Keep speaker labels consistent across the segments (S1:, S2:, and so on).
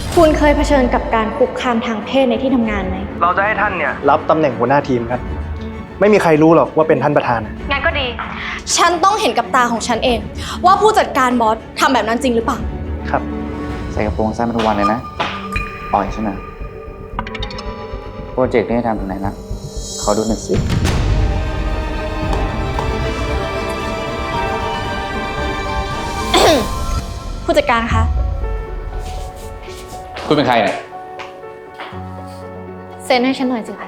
S1: คุณเคยเผชิญกับการคุกคามทางเพศในที่ทำงานไหม
S2: เราจะให้ท่านเนี่ยรับตำแหน่งหัวหน้าทีมครับไม่มีใครรู้หรอกว่าเป็นท่านประธาน
S1: งั้นก็ดี ฉันต้องเห็นกับตาของฉันเอง ว่าผู้จัดการบอสทำแบบนั้นจริงหรือเปล่า
S2: ครับ
S3: ใส่กระโปรงสั้นมาทุกวันเลยนะอ่อยฉันนะโปรเจกต์นี้ทำถึงไหนนะขอดูหน่อยสิ
S1: ผู้จัดการคะ
S3: คุณเป็นใครเนี่ย
S1: เซ็นให้ฉันหน่อยสิคะ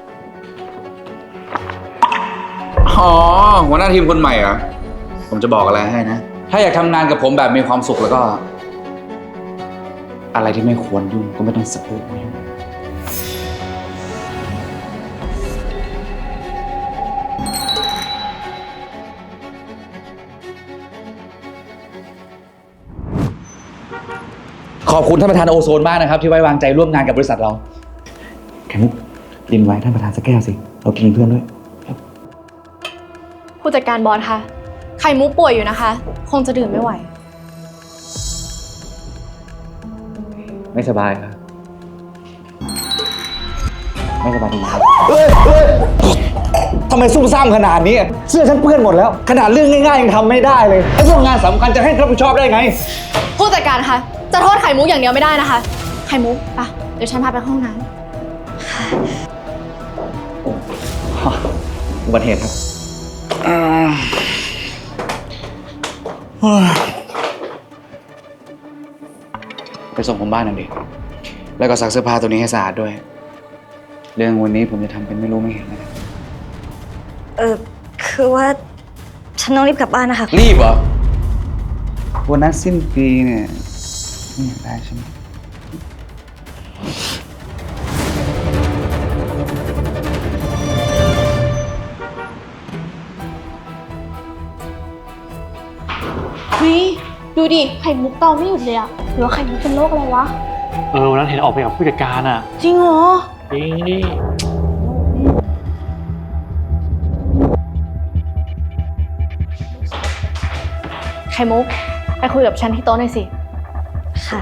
S3: อ๋อหัวหน้าทีมคนใหม่เหรอผมจะบอกอะไรให้นะถ้าอยากทำงานกับผมแบบมีความสุขแล้วก็ อะไรที่ไม่ควรยุ่งก็ไม่ต้องสะอึกไม่ยุ่งขอบคุณท่านประธานโอโซนมากนะครับที่ไว้วางใจร่วมงานกับบริษัทเราแขมุกริมไว้ท่านประธานสักแก้วสิเรากินเป็นเพื่อนด้วย
S1: ผู้จัดการบอสคะไข่มุกป่วยอยู่นะคะ คงจะดื่มไม่ไหว
S3: ไม่สบายครับไม่สบายดีครับทำไมซุ่มซ่ามขนาดนี้เสื้อฉันเปื้อนหมดแล้วขนาดเรื่องง่ายๆยังทำไม่ได้เลยไอ้พวกงานสำคัญจะให้รับผิดชอบได้ไง
S1: ผู้จัดการคะจะโทษไข่มุกอย่างเดียวไม่ได้นะคะ ไข่มุกปะเดี๋ยวฉันพาไปห้องน้
S3: อุบัติเหตุครับไปส่งผมบ้านหน่อยดิแล้วก็ซักเสื้อผ้าตัวนี้ให้สะอาดด้วย เรื่องวันนี้ผมจะทำเป็นไม่รู้ไม่เห็นนะครับ
S4: คือว่าฉันต้องรีบกลับบ้านนะคะ
S3: รีบเหรอวันนั้นสิ้นปีเนี่ยไม่อยากได้ใช่ไหม
S1: ำเฮ้ยดูดิไข่มุกเตาไม่หยุดเลยอะหรือว่าไข่มุกเป็นโรคอะไรวะ
S5: วันนั้นเห็นออกไปกับผู้จัดการอ่ะ
S1: จริงเหรอ
S5: จริงดิ
S1: ไข่มุกไปคุยกับฉันที่โต๊ะหน่อยสิ
S4: ค่ะ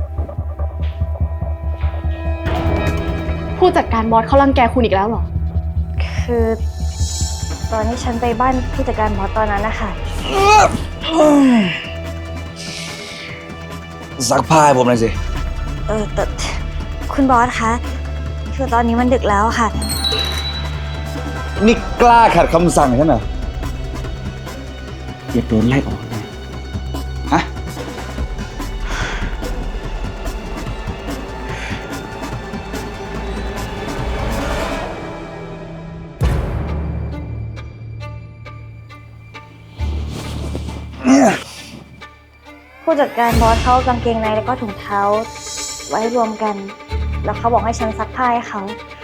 S1: ผู้จัดการบอสเขารังแกคุณอีกแล้วเหรอ
S4: คือตอนที่ฉันไปบ้านผู้จัดการบอสตอนนั้นนะคะ
S3: ซักผ้าให้ผมหน่อยสิ
S4: แต่คุณบอสคะคือตอนนี้มันดึกแล้วค่ะ
S3: นี่กล้าขัดคำสั่งฉันเหรออย่าโดนไล่ออกเลยฮะเนี่ย
S4: ผู้จัดการบอสเขาเอากางเกงในแล้วก็ถุงเท้า ไว้รวมกัน แล้วเขาบอกให้ฉันซักผ้าให้เขา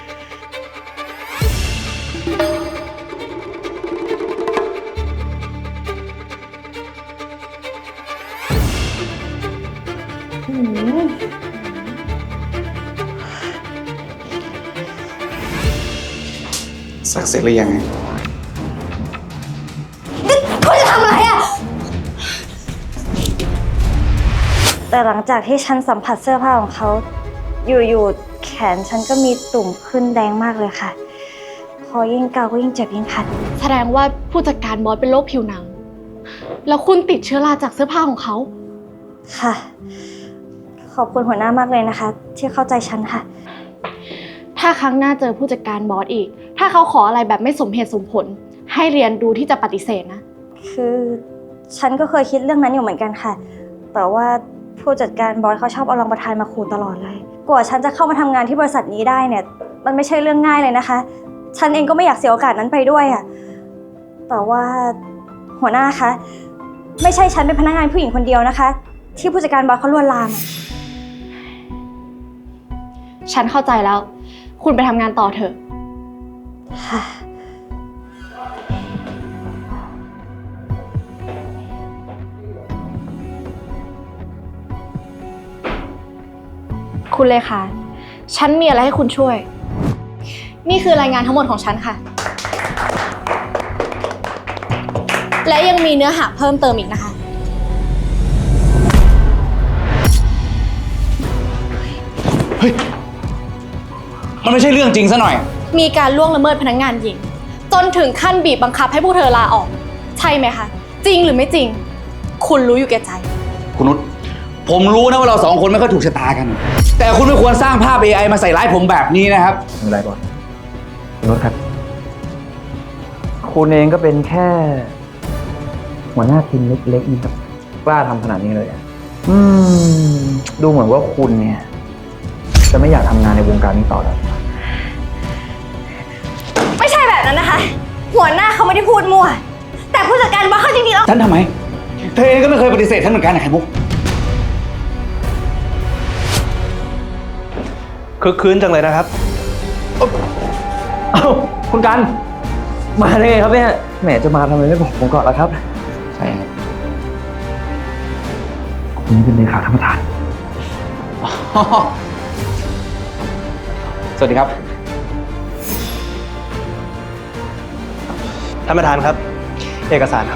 S3: ซักเสร็จหรือยังไง
S4: คุณจะทำอะไรอะแต่หลังจากที่ฉันสัมผัสเสื้อผ้าของเขา อยู่ๆแขนฉันก็มีตุ่มขึ้นแดงมากเลยค่ะ พอยิ่งเกาก็ยิ่งเจ็บยิ่งคัน
S1: แสดงว่าผู้จัดการบอสเป็นโรคผิวหนัง แล้วคุณติดเชื้อราจากเสื้อผ้าของเขา
S4: ค่ะ ขอบคุณหัวหน้ามากเลยนะคะ ที่เข้าใจฉันค่ะ
S1: ถ้าครั้งหน้าเจอผู้จัดการบอสอีก ถ้าเขาขออะไรแบบไม่สมเหตุสมผล ให้เรียนรู้ที่จะปฏิเสธนะ
S4: คือฉันก็เคยคิดเรื่องนั้นอยู่เหมือนกันค่ะ แต่ว่าผู้จัดการบอสเขาชอบเอารองประธานมาขู่ตลอดเลย กว่าฉันจะเข้ามาทำงานที่บริษัทนี้ได้เนี่ย มันไม่ใช่เรื่องง่ายเลยนะคะ ฉันเองก็ไม่อยากเสียโอกาสนั้นไปด้วยอะแต่ว่าหัวหน้าคะ ไม่ใช่ฉันเป็นพนักงานผู้หญิงคนเดียวนะคะ ที่ผู้จัดการบอสเขาลวนลามอะ
S1: ฉันเข้าใจแล้ว คุณไปทำงานต่อเถอะ
S4: ค่ะ
S1: คุณเลขาฉันมีอะไรให้คุณช่วย นี่คือรายงานทั้งหมดของฉันค่ะ และยังมีเนื้อหาเพิ่มเติมอีกนะคะ
S4: เ
S3: เฮ้ย มันไม่ใช่เรื่องจริงซะหน่อย
S1: มีการล่วงละเมิดพนักงานหญิง จนถึงขั้นบีบบังคับให้พวกเธอลาออก ใช่ไหมคะ จริงหรือไม่จริง คุณรู้อยู่แก่ใจ
S3: คุณนุชผมรู้นะว่าเราสองคนไม่ค่อยถูกชะตากัน แต่คุณไม่ควรสร้างภาพ AI มาใส่ร้ายผมแบบนี้นะครับ
S2: ไม่เป็นไรบอสคุณนุชครับ คุณเองก็เป็นแค่ หัวหน้าทีมเล็กๆนี่ครับกล้าทำขนาดนี้เลยอะดูเหมือนว่าคุณเนี่ย จะไม่อยากทำงานในวงการนี้ต่อแล้ว
S4: ไม่ใช่แบบนั้นนะคะ หัวหน้าเขาไม่ได้พูดมั่ว แต่ผู้จัดการบอสเขาจริงๆแล้ว
S3: ฉันทำไม เธอเองก็ไม่เคยปฏิเสธฉันเหมือนกันนะไข่มุก
S2: คึกคืนจังเลยนะครับ เอ้าคุณกัน มาได้ไงครับเนี่ย แหมจะมาทำไมไม่บอกผมก่อนล่ะครับ
S3: ใช่ครับ
S2: คุณเป็นเลขาท่านประธาน
S3: สวัสดีครับ
S2: ท่านประธานครับ เอกสารครับ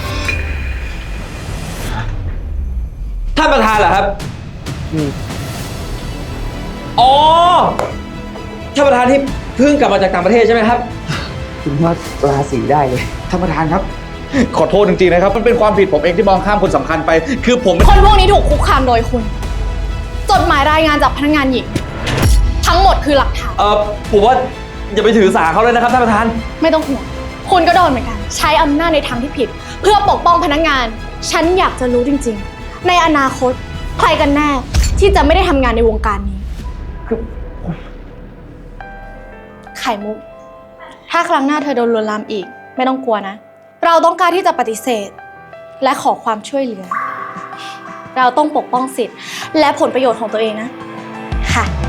S3: ท่านประธานเหรอครับอ๋อ ท่านประธานที่เพิ่งกลับมาจากต่างประเทศใช่ไหมครับ คุณว่าราศีได้เลย ท่านประธานครับ ขอโทษจริงๆนะครับ มันเป็นความผิดผมเองที่มองข้ามคนสำคัญไป คือผม
S1: คนพวกนี้ถูกคุกคามโดยคุณ จดหมายรายงานจากพนักงานหญิง ทั้งหมดคือหลักฐาน
S3: ผมว่าอย่าไปถือสาเขาเลยนะครับท่านประธาน
S1: ไม่ต้องห่วง คุณก็โดนเหมือนกัน ใช้อำนาจในทางที่ผิด เพื่อปกป้องพนักงาน ฉันอยากจะรู้จริงๆ ในอนาคต ใครกันแน่ที่จะไม่ได้ทำงานในวงการนี้ ไข่มุก ถ้าครั้งหน้าเธอโดนลวนลามอีก ไม่ต้องกลัวนะ เราต้องการที่จะปฏิเสธ และขอความช่วยเหลือ เราต้องปกป้องสิทธิ์และผลประโยชน์ของตัวเองนะ ค่ะ